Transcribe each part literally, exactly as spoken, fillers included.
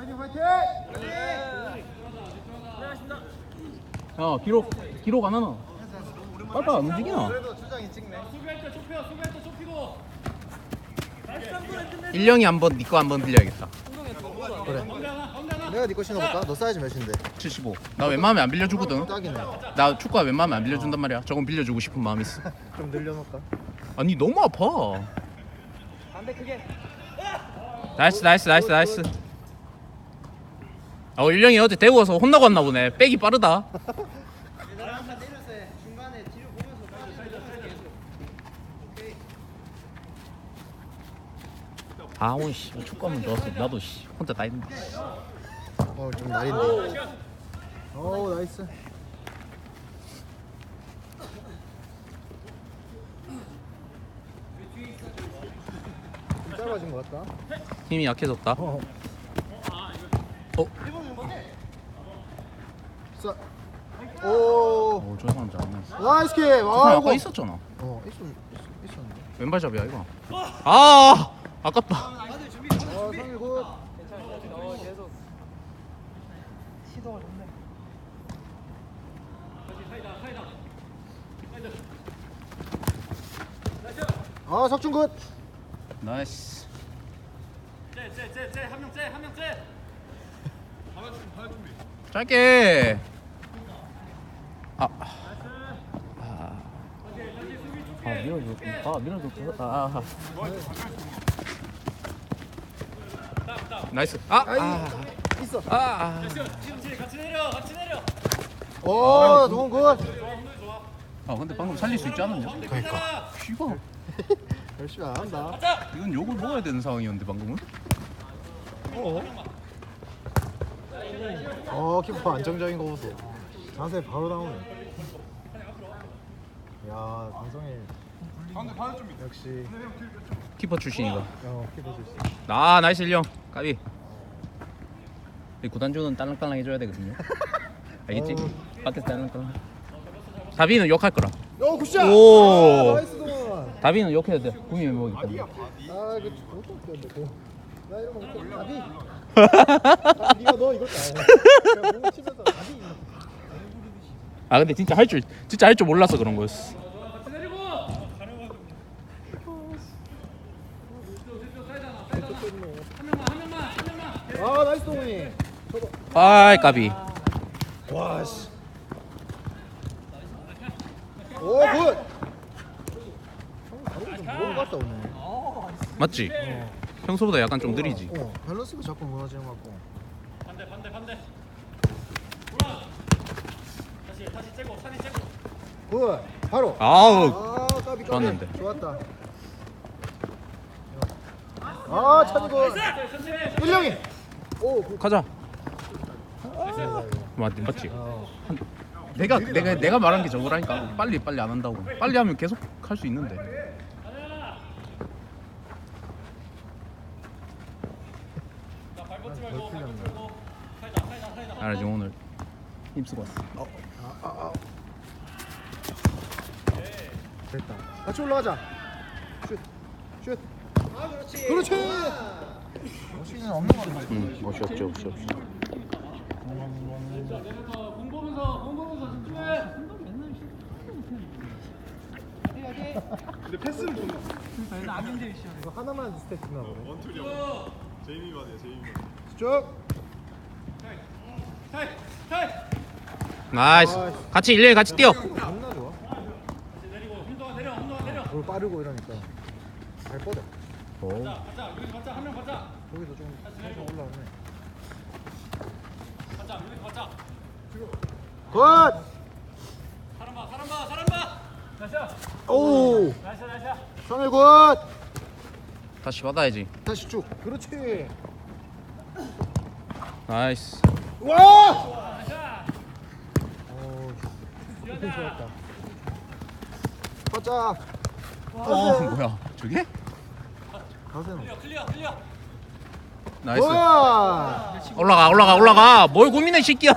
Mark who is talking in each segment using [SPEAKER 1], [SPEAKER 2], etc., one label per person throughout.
[SPEAKER 1] 야 기록 기록 안 하나? 빨빨 안 움직이나? 일령이 한번 니거 한번 빌려야겠다.
[SPEAKER 2] 그래. 내가 니거 신어볼까? 너 사이즈 몇인데?
[SPEAKER 1] 칠십오. 나 웬만하면 안 빌려주거든.
[SPEAKER 2] 딱이네.
[SPEAKER 1] 나 축구화 웬만하면 안 빌려준단 말이야. 저건 빌려주고 싶은 마음이 있어.
[SPEAKER 2] 좀 늘려놓을까?
[SPEAKER 1] 아니 너무 아파. 나이스 나이스 나이스 나이스. 어 일령이 어제 대구 와서 혼나고 왔나 보네. 백이 빠르다. 아 오늘 씨 축구하면 좋았어. 나도 씨 혼자 다 했는데.
[SPEAKER 2] 어, 좀 날인데. 오, 나이스. 좀 짧아진 것 같다.
[SPEAKER 1] 힘이 약해졌다.
[SPEAKER 2] 어.
[SPEAKER 1] 어?
[SPEAKER 2] 자. 오.
[SPEAKER 1] 오, 저 사람 잘하네.
[SPEAKER 2] 나이스 킥.
[SPEAKER 1] 저 사람
[SPEAKER 2] 아,
[SPEAKER 1] 아까
[SPEAKER 2] 이거.
[SPEAKER 1] 있었잖아.
[SPEAKER 2] 어, 있었, 있- 있었는데.
[SPEAKER 1] 왼발잡이야 이거. 아 아깝다.
[SPEAKER 2] 어, 상일 굿. 아, 석준 굿.
[SPEAKER 1] 나이스. 짧게. 아. 아. 아 밀어줘. 아 밀어줘. 아. 나이스. 아. 아.
[SPEAKER 2] 있어.
[SPEAKER 1] 아. 아.
[SPEAKER 2] 오, 동훈 굿.
[SPEAKER 1] 아 근데 방금 살릴 수 있지 않았냐?
[SPEAKER 2] 그러니까.
[SPEAKER 1] 씨발.
[SPEAKER 2] 열심히 안 한다.
[SPEAKER 1] 이건 욕을 먹어야 되는 상황이었는데 방금은.
[SPEAKER 2] 어. 어, 키퍼 안정적인 거 보소. 자세 바로 나오네. 야, 강성일. 역시.
[SPEAKER 1] 키퍼 출신이가.
[SPEAKER 2] 어, 키퍼 출신.
[SPEAKER 1] 아 나이스 일령. 까비. 이 구단주는 딸랑딸랑 해줘야 되거든요. 알겠지?
[SPEAKER 2] 어.
[SPEAKER 1] 밖에서 딸랑딸랑. 다비는 욕할 거라.
[SPEAKER 2] 오, 굿샷.
[SPEAKER 1] 오.
[SPEAKER 2] 아, 나이스 동원.
[SPEAKER 1] 다비는 욕해야 돼. 구미 메모기 때문에.
[SPEAKER 2] 아, 그 그것도 웃겼는데. 그. 나 이런 거 못해. 나비. 아, 네가 너 이것도 안 해. 그냥 몸 치면서 나비.
[SPEAKER 1] 아 근데 진짜 할 줄 진짜 할 줄 몰라서 그런 거였어.
[SPEAKER 2] 아, 나이스 동훈이.
[SPEAKER 1] 아이 까비.
[SPEAKER 2] 와 씨. 오, 굿. 형 좀 무거운 것 같다 오늘.
[SPEAKER 1] 맞지? 평소보다 약간 좀 느리지.
[SPEAKER 2] 어, 밸런스가 자꾸 무너지는 것 같고. 굿. 바로.
[SPEAKER 1] 아우
[SPEAKER 2] 아, 까비 까비.
[SPEAKER 1] 좋았는데.
[SPEAKER 2] 좋았다. 아, 찬이 굿. 일령이. 오, 굿.
[SPEAKER 1] 가자. 맞 맞지?
[SPEAKER 2] 어.
[SPEAKER 1] 내가 내가 내가 말한 게 저거라니까. 빨리 빨리 안 한다고. 빨리 하면 계속 할 수 있는데.
[SPEAKER 2] 덜 풀렸네.
[SPEAKER 1] 알지 오늘 힘쓰고 왔어.
[SPEAKER 2] 어. 아, 아, 아. 됐다. 같이 올라가자. 슛. 슛. 아, 그렇지. 그렇지. 멋있는 없는 거 같아.
[SPEAKER 1] 응, 멋이 없죠, 멋이 없죠.
[SPEAKER 3] 근데 패스는 좋네.
[SPEAKER 2] 이거 하나만 스탯이나 보네.
[SPEAKER 3] 원툴이야. 제이미만이야, 제이미만.
[SPEAKER 2] 쭉.
[SPEAKER 1] 나이스. 같이 일렬 같이 뛰어.
[SPEAKER 2] 겁나 좋아. 볼 빠르고 이러니까 잘 뻗어.
[SPEAKER 1] 오.
[SPEAKER 2] 저기도 좀 살짝 올라오네. 굿. 오. 성일 굿.
[SPEAKER 1] 다시 받아야지.
[SPEAKER 2] 다시 쭉. 그렇지.
[SPEAKER 1] 나이스.
[SPEAKER 2] 와. 오. 이렇게 좋았다. 바짝.
[SPEAKER 1] 어 뭐야? 저게?
[SPEAKER 2] 가세는.
[SPEAKER 1] 나이스.
[SPEAKER 2] 와.
[SPEAKER 1] 올라가 올라가 올라가. 뭘 고민해 새끼야.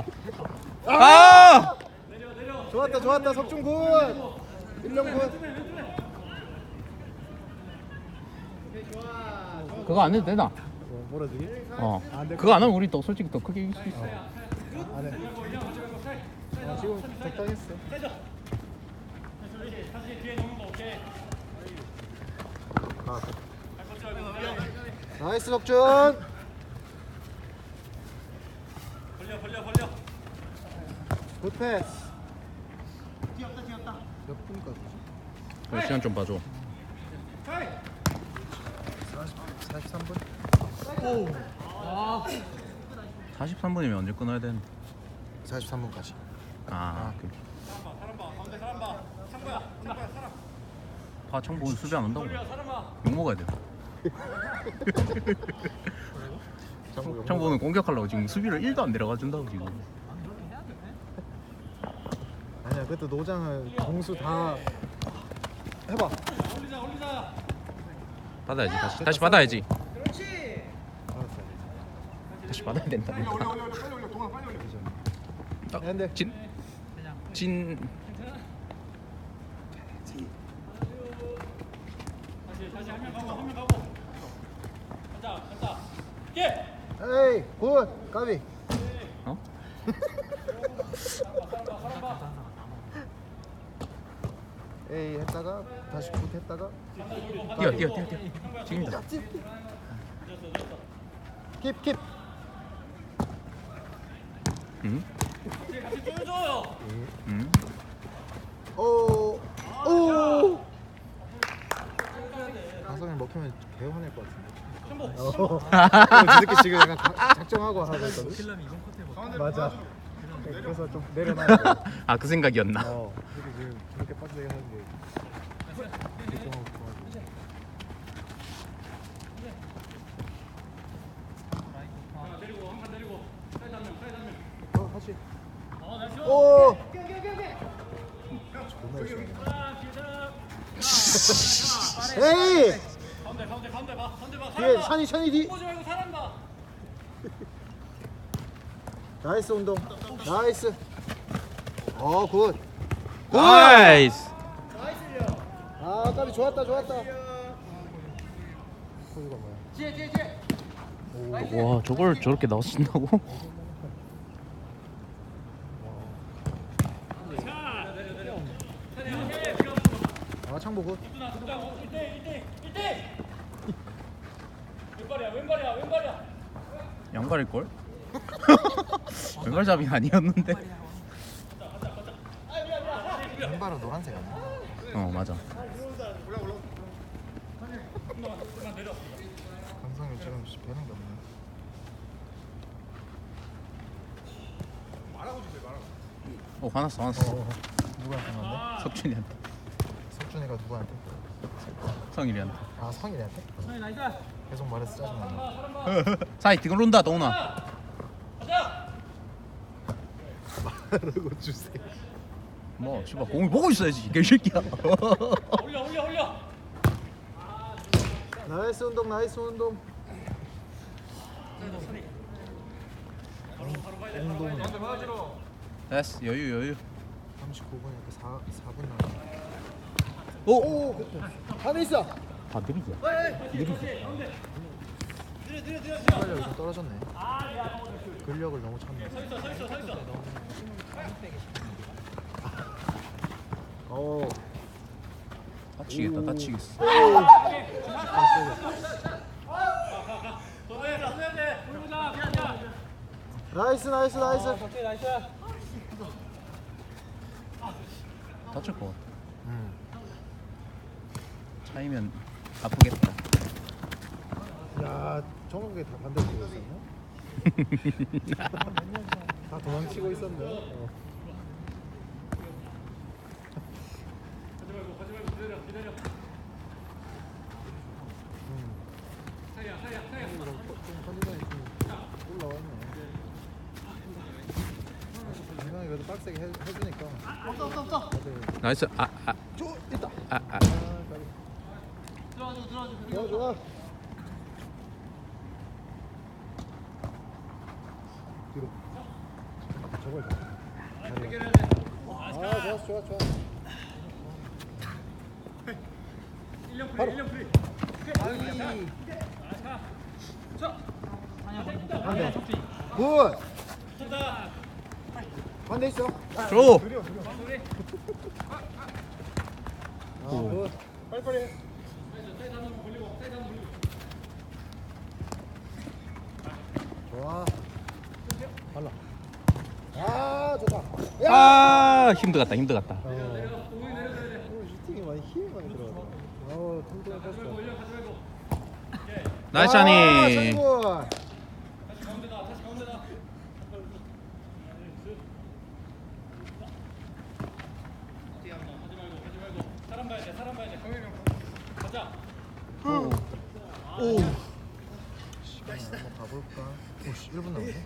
[SPEAKER 1] 아!
[SPEAKER 2] 좋았다 좋았다 석준 굿. 일령 굿.
[SPEAKER 1] 그거 안 해도 되나?
[SPEAKER 2] 뭐, 몰아주기?
[SPEAKER 1] 어.
[SPEAKER 2] 안 돼.
[SPEAKER 1] 그거 안 하면 우리 또 솔직히 더 크게 이길 수 있어.
[SPEAKER 2] 안 해. 아, 지금 적당했어. 아. 나이스 석준.
[SPEAKER 3] 벌려 벌려 벌려.
[SPEAKER 2] 굿 패스. 몇 분까지지?
[SPEAKER 1] 그래, 시간 좀 봐줘.
[SPEAKER 2] 사십삼 분?
[SPEAKER 1] 사십삼 분이면 언제 끊어야 되는?
[SPEAKER 2] 사십삼 분까지.
[SPEAKER 1] 아, 그.
[SPEAKER 3] 사람 봐 가운데 사람 봐. 창구야 창구야 사람.
[SPEAKER 1] 아, 청보 오늘 수비 안 한다고. 욕 먹어야 돼. 청보는 공격하려고 지금 수비를 일도 안 내려가 준다고 지금.
[SPEAKER 2] 아니야, 그때 노장을 공수 다 해봐.
[SPEAKER 3] 올리자 올리자.
[SPEAKER 1] 받아야지 다시 다시 받아야지.
[SPEAKER 2] 알았어.
[SPEAKER 1] 다시 받아야 된다.
[SPEAKER 3] 올려 올려 올려 빨리 올려 동아 빨리 올려.
[SPEAKER 1] 아,
[SPEAKER 2] 근데
[SPEAKER 1] 진, 진.
[SPEAKER 3] 다시 다시 한 명 가고 한 명 가고. 간다 간다. 예.
[SPEAKER 2] 에이, 굿. 까비.
[SPEAKER 1] 어?
[SPEAKER 2] 에이 했다가 다시 굿 했다가
[SPEAKER 1] 뛰어 뛰어 뛰어 뛰어. 지금이다.
[SPEAKER 2] 킵 킵.
[SPEAKER 1] 응?
[SPEAKER 3] 같이 쪼여줘요.
[SPEAKER 1] 응?
[SPEAKER 2] 오. 오. 가성이 먹히면 개 화낼 것 같은데. 어. 저 새끼 지금 약간 가- 작정하고 하고 있거든. 맞아. 그래서 좀 내려놔야 돼.
[SPEAKER 1] 아, 그 생각이었나?
[SPEAKER 2] 어. 이게 지금 저렇게 빡세게 하는 게 작정하고 좋아하고. 어, 다시. 오. 존나 열심히. 에이.
[SPEAKER 3] 가운데 가운데 가운데 봐 가운데 봐.
[SPEAKER 2] 뒤에 션이 션이 뒤.
[SPEAKER 3] 보지 말고 사람 봐.
[SPEAKER 2] 나이스 운동. 나이스. 어 굿. 굿.
[SPEAKER 1] 나이스.
[SPEAKER 2] 아 까비 좋았다 좋았다. 소유가 뭐야?
[SPEAKER 1] 와, 저걸 저렇게 넣어준다고?
[SPEAKER 2] 아 창보 굿.
[SPEAKER 3] 왼발이야 왼발이야 왼발이야.
[SPEAKER 1] 양발일 걸? 왼발잡이 아니었는데.
[SPEAKER 2] 왼발은 노란색 아니야?
[SPEAKER 1] 어, 맞아.
[SPEAKER 2] 강성이 지금 배는 게 없네.
[SPEAKER 1] 어, 화났어 화났어.
[SPEAKER 2] 어, 누구한테 만데?
[SPEAKER 1] 석준이한테.
[SPEAKER 2] 석준이가 누구한테?
[SPEAKER 1] 성일이한테.
[SPEAKER 2] 아 성일이한테? 계속 말해서 짜증나.
[SPEAKER 1] 사이 들어온다 동훈아.
[SPEAKER 2] 말하고 주세요.
[SPEAKER 1] 뭐 씨발 공을 보고 있어야지 개새끼야.
[SPEAKER 3] 올려 올려 올려.
[SPEAKER 2] 나이스 운동 나이스 운동. 운동은
[SPEAKER 1] 됐어 여유 여유.
[SPEAKER 2] 삼십구 분이니까 사 분 남았어.
[SPEAKER 1] 오.
[SPEAKER 2] 오 그때 안에 있어.
[SPEAKER 1] 아 느리지.
[SPEAKER 2] 순발력이 좀 떨어졌네. 근력을 너무 찾네. 오.
[SPEAKER 1] 다치겠다 다치겠어.
[SPEAKER 2] 나이스 나이스 나이스.
[SPEAKER 1] 다칠 것 같아.
[SPEAKER 2] 음.
[SPEAKER 1] 차이면 아프겠다.
[SPEAKER 2] 야 정국이 다 반대로 치고 있었네. 다 도망치고 있었네. 어. 음. 좀 컨디션이 좀 올라왔네. 이번에 그래도 빡세게 해, 해주니까. 없어 없어 없어.
[SPEAKER 1] 나이스. 아 아.
[SPEAKER 2] 저 있다.
[SPEAKER 1] 아, 아.
[SPEAKER 2] 아, 들어와줘 들어와줘. 좋아 좋아. 뒤로. 저걸 봐. 아 좋았어 좋아 좋아.
[SPEAKER 3] 일 년 프리
[SPEAKER 2] 바로.
[SPEAKER 3] 일 년 프리.
[SPEAKER 2] 아이.
[SPEAKER 3] 자.
[SPEAKER 2] 반대. 굿. 반대 있어.
[SPEAKER 1] 줘.
[SPEAKER 2] 아, 굿. 빨리빨리 해. 좋아. 발라. 아, 좋다. 야!
[SPEAKER 1] 아 힘들 같다 힘들 같다.
[SPEAKER 2] 어. 오늘 슈팅이 많이 힘이 많이 들어가다. 어, 튼튼했어.
[SPEAKER 1] 나이스
[SPEAKER 2] 아,
[SPEAKER 1] 하니.
[SPEAKER 2] 장군.
[SPEAKER 3] 사람 봐야 돼 사람 봐야 돼 가자
[SPEAKER 2] 오. 시간 한번 가볼까? 오씨, 일 분 남았네.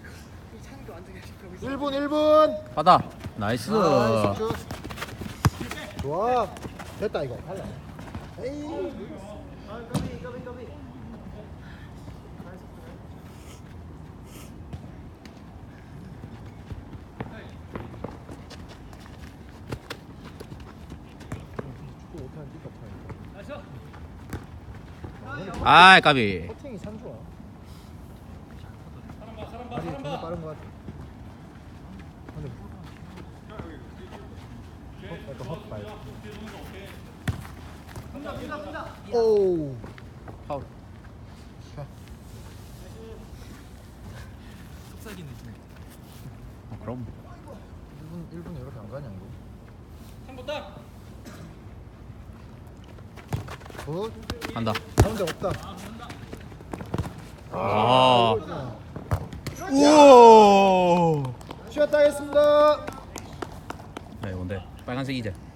[SPEAKER 2] 일 분 일 분.
[SPEAKER 1] 받아. 나이스.
[SPEAKER 2] 아, 슛. 좋아. 됐다 이거. 발라. 에이. 아, 까비 까비 까비. 축구 못하는 띠가 파야.
[SPEAKER 1] 아 까비.
[SPEAKER 2] 커팅이 참 좋아.
[SPEAKER 3] 사람 봐 사람 봐
[SPEAKER 2] 발이
[SPEAKER 3] 사람
[SPEAKER 2] 정말
[SPEAKER 3] 봐
[SPEAKER 2] 빠른 것 같아. 근데 헛, 약간 헛발. 오.
[SPEAKER 1] 파울.
[SPEAKER 2] 자,
[SPEAKER 1] 어, 그럼.
[SPEAKER 2] 일 분 일 분 이렇게 안 가냐 이거?
[SPEAKER 3] 삼보 딱
[SPEAKER 2] 굿.
[SPEAKER 1] 간다.
[SPEAKER 2] 가운데 없다.
[SPEAKER 1] 아.
[SPEAKER 2] 이거지.
[SPEAKER 1] 우와.
[SPEAKER 2] 쉬었다 하겠습니다.
[SPEAKER 1] 네 뭔데? 빨간색이지.